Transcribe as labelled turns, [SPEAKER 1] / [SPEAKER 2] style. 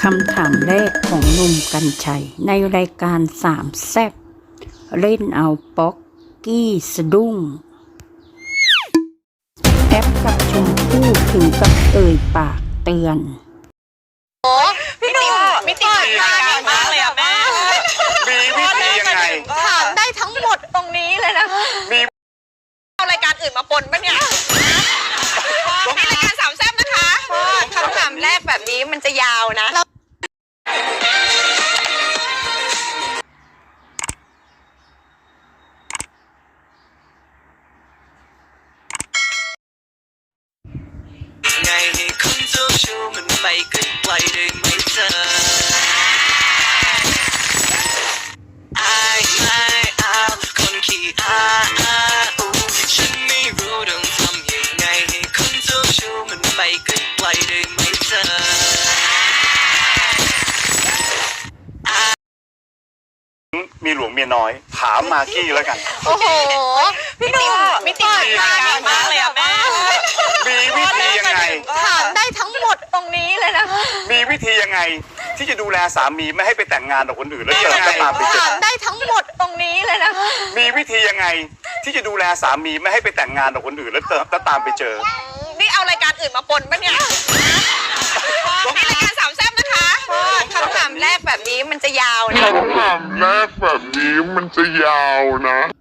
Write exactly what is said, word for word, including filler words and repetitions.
[SPEAKER 1] คำถามแรกของหนุ่มกรรชัยในรายการสามแซ่บเล่นเอาป๊อกกี้สะดุ้งแอปกับชมพู่ถึงกับเอ่ยปากเตือน
[SPEAKER 2] โอ้พี่หนุ่มมิติใหม่มากเลยอะแม่
[SPEAKER 3] มีวิธียังไง
[SPEAKER 2] ถามได้ทั้งหมดตรงนี้เลยนะมีเอารายการอื่นมาปนปะเนี่ยมีรายการสามแซ่บนะคะคำถามแรกแบบนี้มันจะยาวนะ
[SPEAKER 4] ไงให้คุณเจ้าชู้มันไปไกลไกลได้ไหมเธอไอ้ไม่เอาคนขี้อ้าอูฉันไม่รู้ต้องทำยังไงให้คุณเจ้าชู้มันไปไกลไกลได้ไหมเธอ
[SPEAKER 3] มีหลวงเมียน้อยถามมากกี้แล้วกัน
[SPEAKER 2] โอ้โหพี่หนุ่มมิติใหม่มากเลยอะแม่
[SPEAKER 3] มีวิธียังไง
[SPEAKER 2] ถามได้ทั้งหมดตรงนี้เลยนะ
[SPEAKER 3] มีวิธียังไงที่จะดูแลสามีไม่ให้ไปแต่งงานกับคนอื่นแล้วเจอก็ตามไปเจอ
[SPEAKER 2] ถามได้ทั้งหมดตรงนี้เลยนะ
[SPEAKER 3] มีวิธียังไงที่จะดูแลสามีไม่ให้ไปแต่งงานกับคนอื่นแล้วเจอก็ตามไปเจอ
[SPEAKER 2] นี่เอารายการอื่นมาปนปะเนี่ยมีรายการสามแซ่บนะคะคำถามแรกแบบนี้มันจะยาวนะ
[SPEAKER 5] คำถามแรกแบบนี้มันจะยาวนะ